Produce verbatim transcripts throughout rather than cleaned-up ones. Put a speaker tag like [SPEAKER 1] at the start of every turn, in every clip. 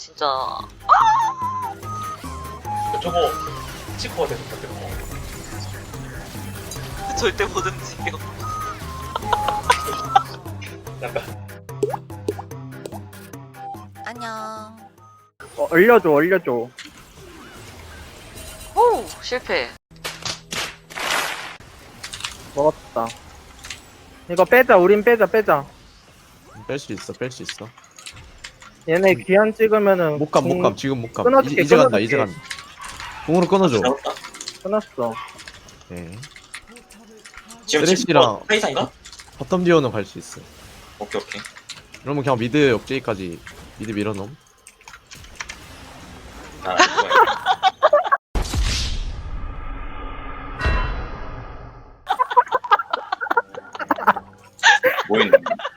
[SPEAKER 1] 진짜.
[SPEAKER 2] 저거 치코가 되는 건데 뭐.
[SPEAKER 1] 절대 못 움직여.
[SPEAKER 2] 약간
[SPEAKER 1] 안녕.
[SPEAKER 3] 어, 얼려줘, 얼려줘.
[SPEAKER 1] 오, 실패.
[SPEAKER 3] 먹었다. 이거 빼자, 우린 빼자, 빼자.
[SPEAKER 4] 뺄 수 있어, 뺄 수 있어.
[SPEAKER 3] 얘네 귀한 찍으면은.
[SPEAKER 4] 못감,
[SPEAKER 3] 공
[SPEAKER 4] 못감, 지금 못감.
[SPEAKER 3] 끊어줄게,
[SPEAKER 4] 이제, 이제 간다,
[SPEAKER 3] 끊어줄게.
[SPEAKER 4] 이제 간다. 공으로 끊어줘.
[SPEAKER 2] 잡았다.
[SPEAKER 3] 끊었어.
[SPEAKER 4] 네.
[SPEAKER 2] 지금
[SPEAKER 4] 쓰레쉬랑
[SPEAKER 2] 지금 파이상인가?
[SPEAKER 4] 바텀 듀오는 갈 수 있어.
[SPEAKER 2] 오케이 오케이.
[SPEAKER 4] 그러면 그냥 미드 업제이까지 미드 밀어넣음.
[SPEAKER 2] 아, 이거야. 뭐 있는?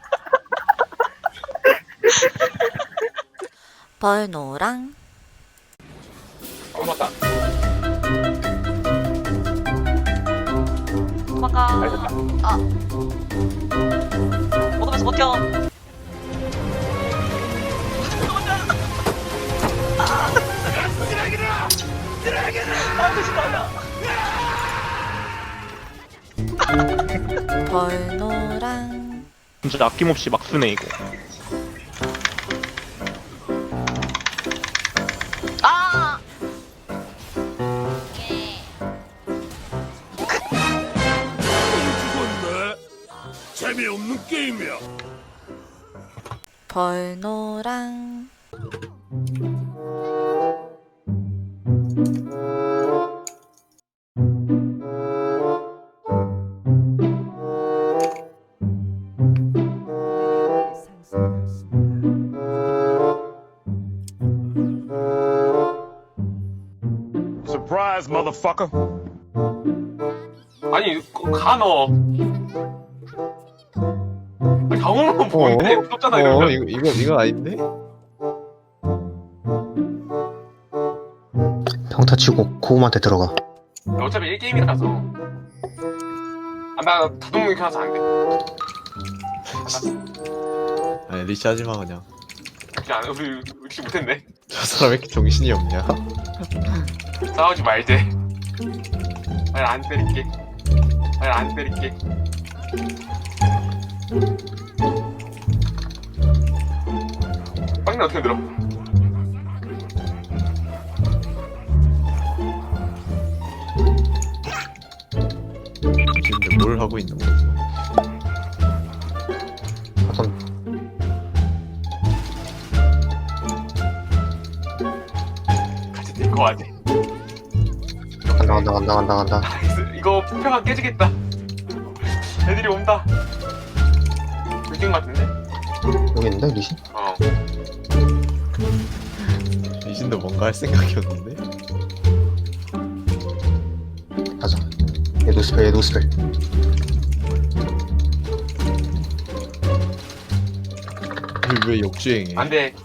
[SPEAKER 1] 벌노랑
[SPEAKER 2] 어 맞다.
[SPEAKER 1] 도망가.
[SPEAKER 2] 알겠다.
[SPEAKER 1] 아. 못 오면서 버텨. 벌노랑
[SPEAKER 5] 진짜 아낌없이 막 쓰네 이거.
[SPEAKER 1] 아!
[SPEAKER 6] 재미없는 게임이야.
[SPEAKER 1] 벌노랑
[SPEAKER 6] Surprise, motherfucker.
[SPEAKER 7] 아니 가 너. 아니 당황한 건 뭔데? 무섭잖아
[SPEAKER 4] 어,
[SPEAKER 7] 이러면.
[SPEAKER 4] 이거, 이거, 이거 아닌데?
[SPEAKER 8] 평타 치고 고음한테 들어가.
[SPEAKER 7] 어차피 일 게임이라서. 아나 자동 켜놔서 안 돼.
[SPEAKER 4] 아니, 리시 하지 마, 그냥.
[SPEAKER 7] 그냥 안- 우리 의식 못했네.
[SPEAKER 4] 저 사람 왜 이렇게 정신이 없냐?
[SPEAKER 7] 싸우지 말제. 아니 안 때릴게. 아니 안 때릴게. 빵내 어떻게 들어?
[SPEAKER 4] 지금 뭘 하고 있는 거지?
[SPEAKER 8] 어떤
[SPEAKER 7] 같이 뛸거 같지?
[SPEAKER 8] 간다 간다 간다 간다 간다.
[SPEAKER 7] 이거 표가 깨지겠다. 애들이 온다. 불진 것 같은데?
[SPEAKER 8] 여기 있는데 리신?
[SPEAKER 7] 어.
[SPEAKER 4] 리신도 뭔가 할 생각이었는데?
[SPEAKER 8] 가자. 얘 노스펠 얘 노스펠.
[SPEAKER 4] 왜, 왜 역주행해?
[SPEAKER 7] 안 돼.